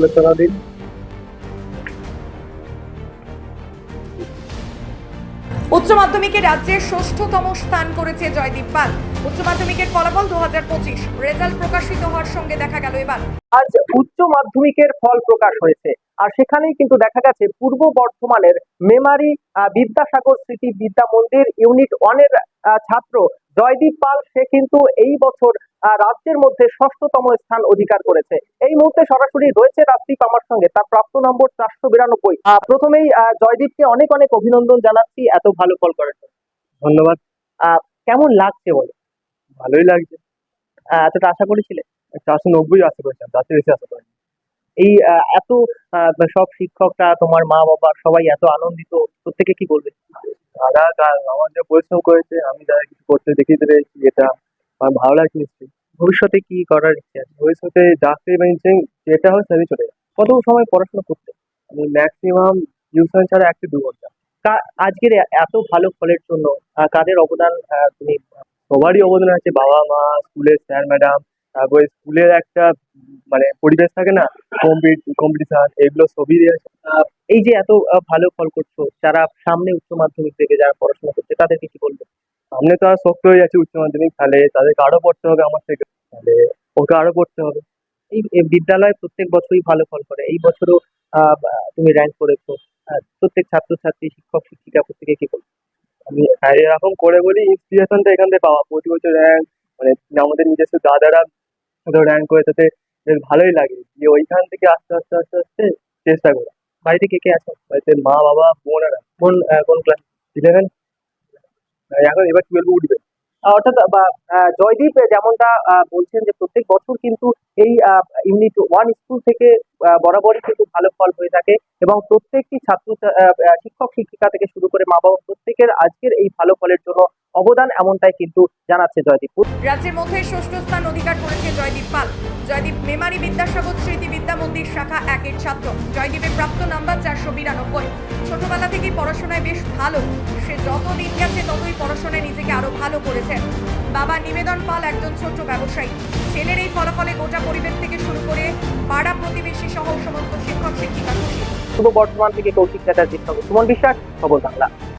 শুভেচ্ছা দিন। উচ্চ মাধ্যমিকে রাজ্যের ষষ্ঠতম স্থান করেছে জয়দীপ পাল। উচ্চ মাধ্যমিকের ফলাফল 2025 রেজাল্ট প্রকাশিত হওয়ার সঙ্গে দেখা গেল এবার আজ উচ্চ মাধ্যমিকের ফল প্রকাশ হয়েছে। আর সেখানেই কিন্তু দেখা গেছে পূর্ব বর্ধমানের মেমারি বিদ্যাসাগর স্মৃতি বিদ্যা মন্দির ইউনিট 1 এর ছাত্র জয়দীপ পাল, সে কিন্তু এই বছর রাজ্যের মধ্যে ষষ্ঠতম স্থান অধিকার করেছে। এই মুহূর্তে সরাসরি রয়েছে রাজদীপ আমার সঙ্গে, তার প্রাপ্ত নম্বর 492। প্রথমেই জয়দীপকে অনেক অনেক অভিনন্দন জানাচ্ছি এত ভালো ফল করার জন্য। ধন্যবাদ। কেমন লাগছে বলো? ভালোই লাগছে। এতটা আশা করেছিলে? 490 আশা করেছিলাম, তার চেয়ে বেশি আশা করিনি। এই এত সব শিক্ষকরা, তোমার মা বাবা সবাই এত আনন্দিত, প্রত্যেকে কি বলবে? তারা আমার যে পরিশ্রম করেছে, আমি তাদের কিছু করতে দেখিয়ে পেরেছি, এটা আমার ভালো লাগছে নিশ্চয়ই। ভবিষ্যতে কি করার ইচ্ছে আছে? ভবিষ্যতে চাকরি বা ইঞ্জিনিয়ারিং যেটা হয় সেটাই চলে যাবে। কত সময় পড়াশোনা করতে? আমি ম্যাক্সিমাম টিউশন ছাড়া 1 থেকে 2 ঘন্টা। আজকের এত ভালো ফলের জন্য কাদের অবদান তুমি? সবারই অবদান আছে, বাবা মা, স্কুলের স্যার ম্যাডাম, তারপরে স্কুলের একটা মানে পরিবেশ থাকে না, কম্পিটিশন, এগুলো সবই আছে। এই যে এত ভালো ফল করছো, যারা সামনে উচ্চ মাধ্যমিক থেকে যারা পড়াশোনা করছে তাদেরকে কি বলবে? সামনে তো আর শক্ত হয়ে যাচ্ছে উচ্চ মাধ্যমিক, তাহলে তাদেরকে আরো পড়তে হবে আমার থেকে, তাহলে ওকে আরো পড়তে হবে। এই বিদ্যালয় প্রত্যেক বছরই ভালো ফল করে, এই বছরও তুমি র্যাঙ্ক করেছো। প্রত্যেক ছাত্রছাত্রী, শিক্ষক শিক্ষিকা প্রত্যেকে কি বলবে? আমি এরকম করে বলি, ইন্সপিরেশনটা এখান থেকে পাওয়া, প্রতি বছর র্যাঙ্ক, মানে আমাদের নিজস্ব দাদারা র্যাঙ্ক করে, তাতে বেশ ভালোই লাগে, যে ওইখান থেকে আস্তে আস্তে আস্তে আস্তে চেষ্টা করা। বাড়িতে কে কে আছে? বাড়িতে মা বাবা বোন আর আমি। কোন ক্লাস? 11, এখন এবার 12 উঠবে। অর্থাৎ জয়দীপ যেমনটা বলছেন যে প্রত্যেক বছর কিন্তু এই ইউনিট 1 স্কুল থেকে বরাবরই কিন্তু ভালো ফল হয়ে থাকে, এবং প্রত্যেকটি ছাত্র শিক্ষক শিক্ষিকা থেকে শুরু করে মা বাবা প্রত্যেকের আজকের এই ভালো ফলের জন্য অবদান, এমনটাই কিন্তু জানাচ্ছে জয়দীপ। রাজ্যের মধ্যে ষষ্ঠ স্থান অধিকার করেছে জয়দীপ পাল। জয়দীপ মেমারি বিদ্যাসাগর স্মৃতি বিদ্যা মন্দির শাখা 1 এর ছাত্র। জয়দীপের প্রাপ্ত নাম্বার 492। ছোটবেলা থেকেই পড়াশোনায় বেশ ভালো, সে যত দিন গেছে ততই পড়াশোনায় নিজেকে আরো ভালো করেছে। বাবা নিবেদন পাল একজন ছোট ব্যবসায়ী। ছেলের এই ফলাফলে গোটা পরিবার থেকে শুরু করে পাড়া প্রতিবেশী সহ সমস্ত শিক্ষক শিক্ষিকা খুশি। পূর্ব বর্ধমান থেকে কৌশিক চ্যাটার্জির সঙ্গে সুমন বিশ্বাস, খবর বাংলা।